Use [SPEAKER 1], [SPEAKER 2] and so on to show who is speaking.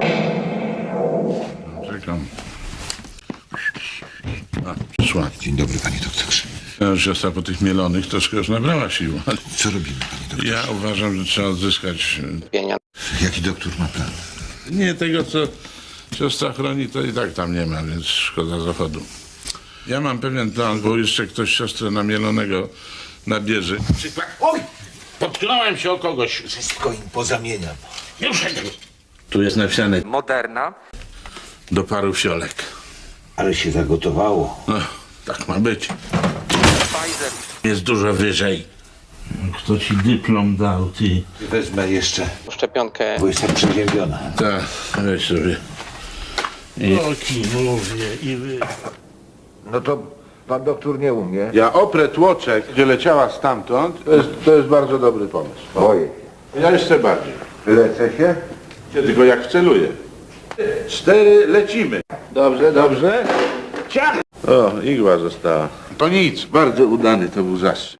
[SPEAKER 1] Czekam. A, przyszła.
[SPEAKER 2] Dzień dobry, panie doktorze.
[SPEAKER 1] Siostra po tych mielonych troszkę już nabrała sił.
[SPEAKER 2] Co robimy, panie doktorze?
[SPEAKER 1] Ja uważam, że trzeba odzyskać...
[SPEAKER 2] Jaki doktor ma plan?
[SPEAKER 1] Nie, tego co siostra chroni, to i tak tam nie ma, więc szkoda zachodu. Ja mam pewien plan, bo jeszcze ktoś siostrę na mielonego nabierze.
[SPEAKER 3] Przykład. Oj! Potknąłem się o kogoś.
[SPEAKER 2] Wszystko im pozamieniam.
[SPEAKER 3] Już.
[SPEAKER 1] Tu jest napisane
[SPEAKER 4] Moderna.
[SPEAKER 1] do paru fiolek.
[SPEAKER 2] Ale się zagotowało.
[SPEAKER 1] No, tak ma być.
[SPEAKER 4] Pfizer.
[SPEAKER 1] Jest dużo wyżej. Kto ci dyplom dał, ty?
[SPEAKER 2] Wezmę jeszcze,
[SPEAKER 4] Szczepionkę.
[SPEAKER 2] bo jestem przeziębiona.
[SPEAKER 1] Tak, weź sobie. Oki mówię i wy...
[SPEAKER 5] No to pan doktor nie umie.
[SPEAKER 6] Ja oprę tłoczek, gdzie leciała stamtąd, to jest bardzo dobry pomysł.
[SPEAKER 5] Boję
[SPEAKER 6] Ja jeszcze bardziej.
[SPEAKER 5] się. Lecę się?
[SPEAKER 6] Tylko jak wceluję. 4, lecimy. Dobrze, dobrze. Ciach! O, igła została. To nic, bardzo udany to był zastrzyk.